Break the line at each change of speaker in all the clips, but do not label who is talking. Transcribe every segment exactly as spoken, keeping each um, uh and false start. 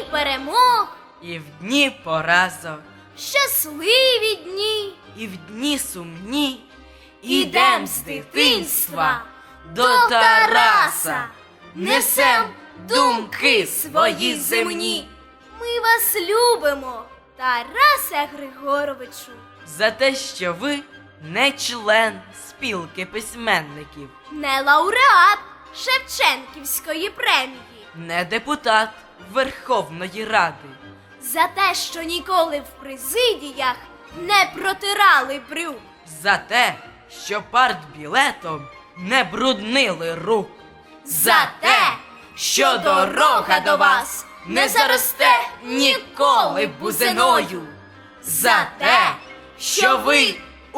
перемог,
і в дні поразок,
щасливі дні,
і в дні сумні,
ідем з дитинства до Тараса,
несем думки свої земні.
Ми вас любимо, Тарасе Григоровичу.
За те, що ви не член спілки письменників,
Не лауреат Шевченківської премії.
не депутат Верховної Ради,
За те, що ніколи в президіях не протирали брюк.
за те, що партбілетом не бруднили рук,
За те, що дорога до вас не заросте ніколи бузиною.
за те, що ви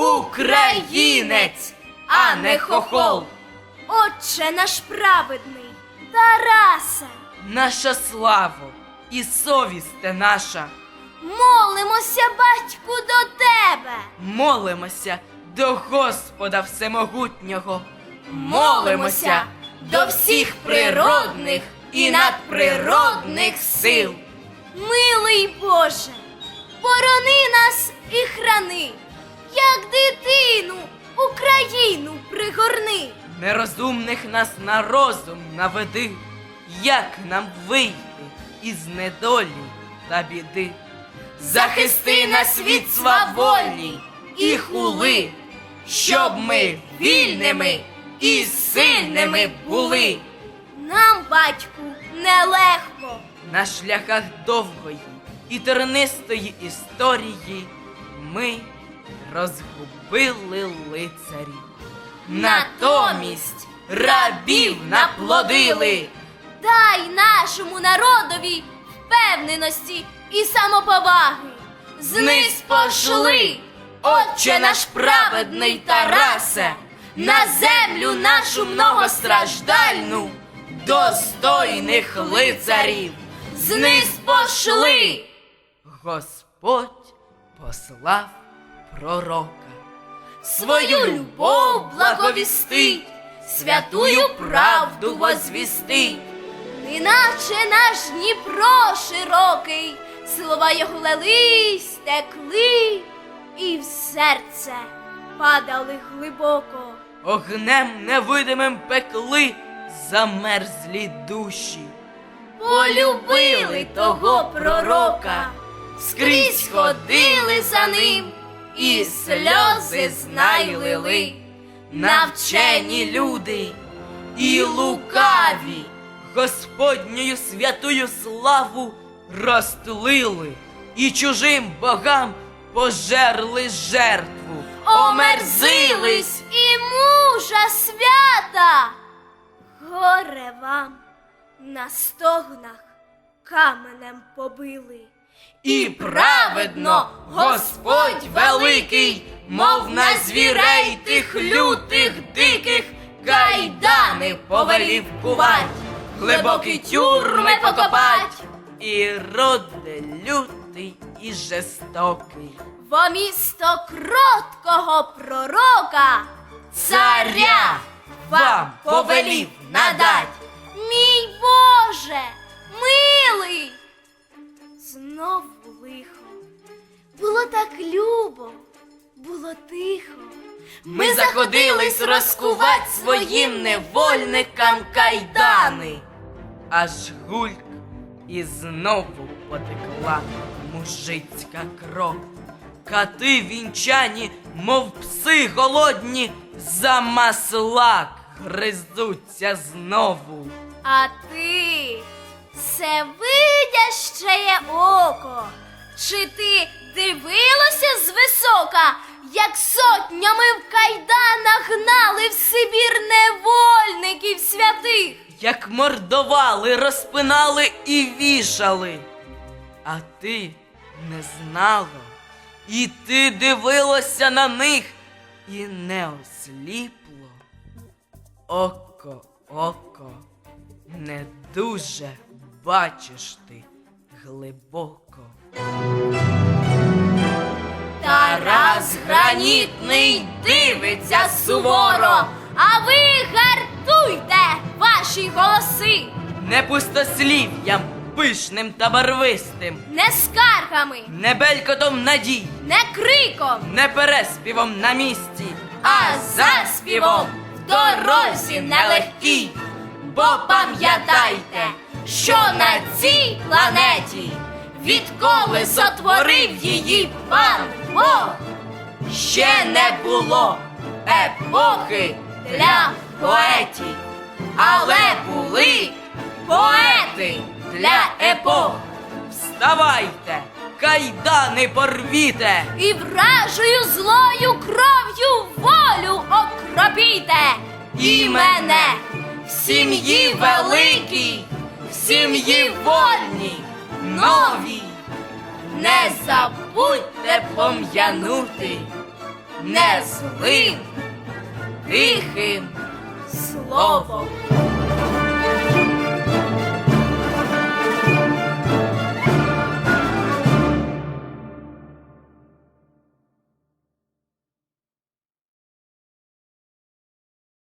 українець, а не хохол.
Отче наш праведний, Тарасе,
Наша слава і совість наша,
молимося, батьку, до тебе.
молимося до Господа Всемогутнього, молимося до всіх природних і надприродних сил.
Милий Боже, борони нас і храни, як дитину Україну пригорни.
Нерозумних нас на розум наведи, як нам вийти із недолі та біди. Захисти нас від сваволі і хули, щоб ми вільними і сильними були.
Нам, батьку, нелегко.
На шляхах довгої і тернистої історії ми розгубили лицарів. Натомість рабів наплодили.
Дай нашому народові впевненості і самоповаги.
Зниз пошли, Отче наш праведний Тарасе, на землю нашу многостраждальну, достойних лицарів. Зниз пошли. Господь послав пророка, свою любов благовістить, святую правду возвістить.
Неначе наш Дніпро широкий, слова його лились, текли, і в серце падали глибоко.
Огнем невидимим пекли замерзлі душі. Полюбили того пророка, скрізь ходили за ним і сльози знай лили. Навчені люди і лукаві Господньою святую славу розтлили і чужим богам пожерли жертву.
Омерзились і мужа свята. Горе вам, на стогнах каменем побили.
І праведно Господь великий, мов на звірей тих лютих диких, кайдани повелів кувать, глибокі тюрми покопать. І роде лютий і жестокий,
Во місто кроткого пророка
царя вам повелів надать.
Мій Боже, милий! Знову лихо. Було так любо, було тихо.
Ми заходились розкувать своїм невольникам кайдани. Аж гульк і знову потекла мужицька кров. Кати вінчані, мов пси голодні, за маслак гризуться знову.
А ти, всевидящеє око, чи ти дивилося звисока, як сотнями в кайданах гнали в Сибір невольників святих?
Як мордували, розпинали і вішали. А ти не знала, і ти дивилася на них, і не осліпло. Око, око, не дуже бачиш ти глибоко. Тарас гранітний дивиться суворо,
а ви гартуйте ваші голоси.
не пустослів'ям пишним та барвистим,
Не скаргами,
не белькотом надій,
не криком,
не переспівом на місці,
а заспівом в дорозі нелегкій. Бо пам'ятайте, що на цій планеті, відколи сотворив її пан Бог, ще не було епохи для поетів, але були поети для епох.
Вставайте, кайдани порвіте,
І вражою злою кров'ю волю окропіте. І мене в сім'ї великій, в сім'ї вольній, новій. Не забудьте пом'янути не злим, тихим словом.